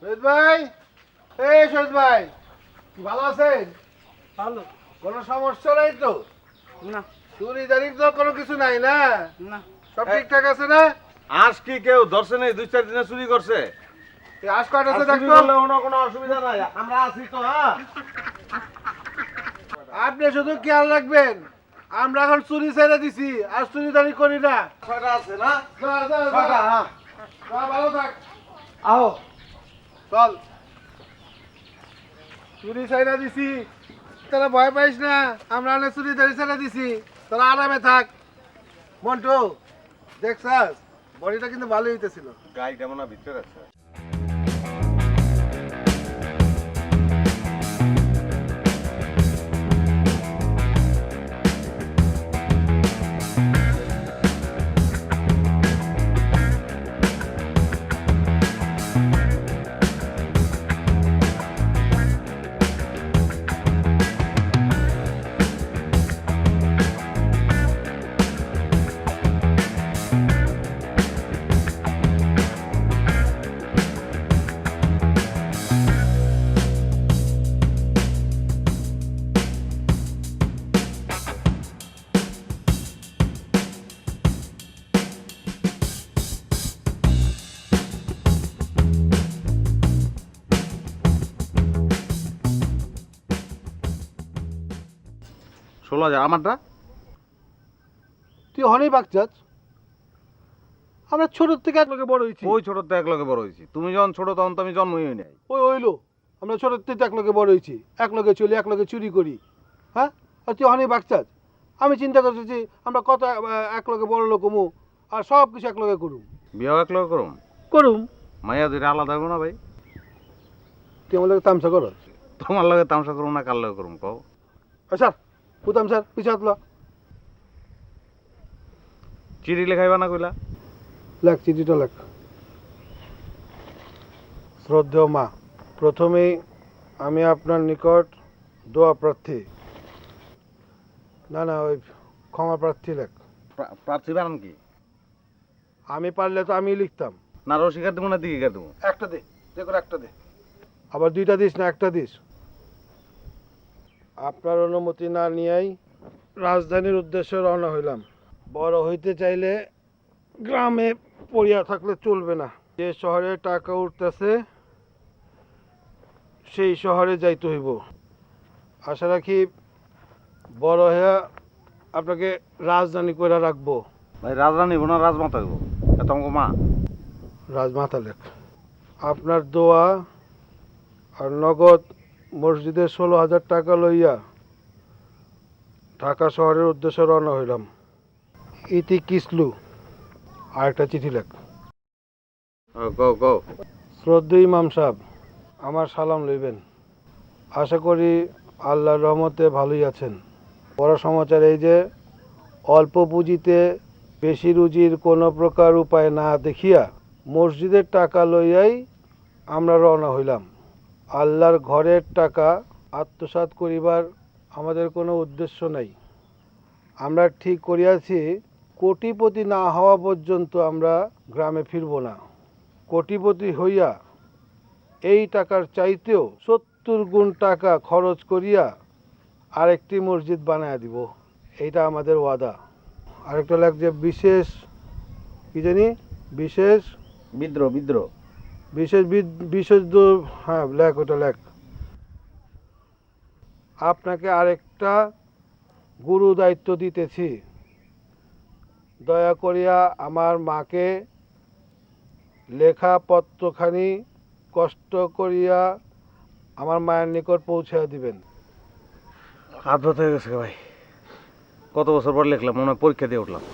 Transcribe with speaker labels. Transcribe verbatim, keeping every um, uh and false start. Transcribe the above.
Speaker 1: শহীদ ভাই, এই শহীদ ভাই, কি ভালো আছেন?
Speaker 2: ভালো
Speaker 1: কোনো সমস্যা নাই তো?
Speaker 2: না
Speaker 1: চুরি দাঁড়ি তো কোনো কিছু নাই না?
Speaker 2: না
Speaker 1: সব ঠিকঠাক আছে না?
Speaker 3: আজ কি কেউ ধরছে নেই? দুই চার দিনে চুরি করছে।
Speaker 1: এই আশ কয়টা আছে
Speaker 3: আর চুরি
Speaker 1: দেখতো?
Speaker 3: করলে কোনো কোনো অসুবিধা নাই, আমরা আছি তো। হ্যাঁ,
Speaker 1: আপনি শুধু খেয়াল রাখবেন, আমরা এখন চুরি ছেড়ে দিছি, আর চুরি দাঁড়ি করি না।
Speaker 3: ছয়টা আছে না?
Speaker 1: যা, যা, যা।
Speaker 3: ছয়টা, হ্যাঁ।
Speaker 1: যা, ভালো থাক।
Speaker 3: আও
Speaker 1: চল, চুরি ছেড়ে দিছি, তোরা ভয় পাইস না, আমরা অনেক চুরি দাঁড়ি ছেড়ে দিছি, তোরা আরামে থাক। মন্টু, দেখছাস বডিটা কিন্তু ভালোই হইতেছিল।
Speaker 3: গাই কেমন ভিতরে আছে? ষোলো হাজার আমারটা।
Speaker 1: তুই হনেই বাগচাস, আমরা ছোট থেকে এক লোকে বড় হয়েছি।
Speaker 3: ওই ছোট তো এক লগে বড় হয়েছি, তুমি যখন ছোট তখন তো আমি জন্মই হই নাই।
Speaker 1: ওই হইলো, আমরা ছোট থেকে এক লোকে বড় হয়েছি, এক লোকে চলি, এক লোকে চুরি করি। হ্যাঁ, আর তুই হনেই বাগচাস। আমি চিন্তা করতেছি আমরা কত আহ, এক লোকে বড় লোক হমু, আর সব কিছু এক লোকে করুম
Speaker 3: বিয়েও এক লগে করুম।
Speaker 1: করুম
Speaker 3: মাইয়া দুইটা আলাদা হবো না ভাই?
Speaker 1: তুই আমার লোকে তামসা করো।
Speaker 3: তোমার লগে তামসা করুম না কার লগে করুম কও?
Speaker 1: স্যার পুতাম স্যার, পিছিয়ে হাতলা।
Speaker 3: চিঠি লেখাইবা না কইলা?
Speaker 1: লেখ চিঠিটা লেখ। শ্রদ্ধেয় মা, প্রথমেই আমি আপনার নিকট দোয়া প্রার্থী, না না ওই ক্ষমা প্রার্থী লেখ।
Speaker 3: প্রা- প্রার্থী বানান কি?
Speaker 1: আমি পারলে তো আমি লিখতাম।
Speaker 3: না রসিকার দেবো না দিকে দেবো?
Speaker 1: একটা দে, যে কোনো একটা দে। আবার দুইটা দিস না একটা দিস। আপনার অনুমতি না নিয়েই রাজধানীর উদ্দেশ্যে রওনা হইলাম। বড় হইতে চাইলে গ্রামে পড়িয়া থাকলে চলবে না। যে শহরে টাকা উঠতেছে সেই শহরে যাইতে হইব। আশা রাখি বড় হইয়া আপনাকে রাজধানী করে রাখবো।
Speaker 3: ভাই রাজরানী হইব না রাজমাতা হইব? এত আমাকে মা।
Speaker 1: রাজমাতা লেখ। আপনার দোয়া আর নগদ মসজিদের ষোলো হাজার টাকা লইয়া ঢাকা শহরের উদ্দেশ্যে রওনা হইলাম। ইতি কিসলু। আর একটা চিঠি লেখ।
Speaker 3: গো গো।
Speaker 1: শ্রদ্ধেয় ইমাম সাহেব, আমার সালাম লইবেন। আশা করি আল্লাহর রহমতে ভালোই আছেন। বড় সমাচার এই যে অল্প পুঁজিতে বেশি রুজির কোনো প্রকার উপায় না দেখিয়া মসজিদের টাকা লইয়াই আমরা রওনা হইলাম। আল্লাহর ঘরের টাকা আত্মসাৎ করিবার আমাদের কোনো উদ্দেশ্য নাই। আমরা ঠিক করিয়াছি কোটিপতি না হওয়া পর্যন্ত আমরা গ্রামে ফিরব না। কোটিপতি হইয়া এই টাকার চাইতেও সত্তর গুণ টাকা খরচ করিয়া আরেকটি মসজিদ বানায় দিব, এইটা আমাদের ওয়াদা। আরেকটা লেখ যে বিশেষ কি জানি বিশেষ
Speaker 3: বিদ্রোহ বিদ্রোহ
Speaker 1: বিশেষ বিদ- বিশেষ দু- হ্যাঁ লেখ, ওটা লেখ। আপনাকে আরেকটা গুরু দায়িত্ব দিতেছি। দয়া করিয়া আমার মাকে লেখা পত্রখানি কষ্ট করিয়া আমার মায়ের নিকট পৌঁছে দিবেন।
Speaker 3: হাত ব্যথা হয়ে গেছে ভাই, কত বছর পর লিখলাম, মনে হয় পরীক্ষা দিয়ে উঠলাম।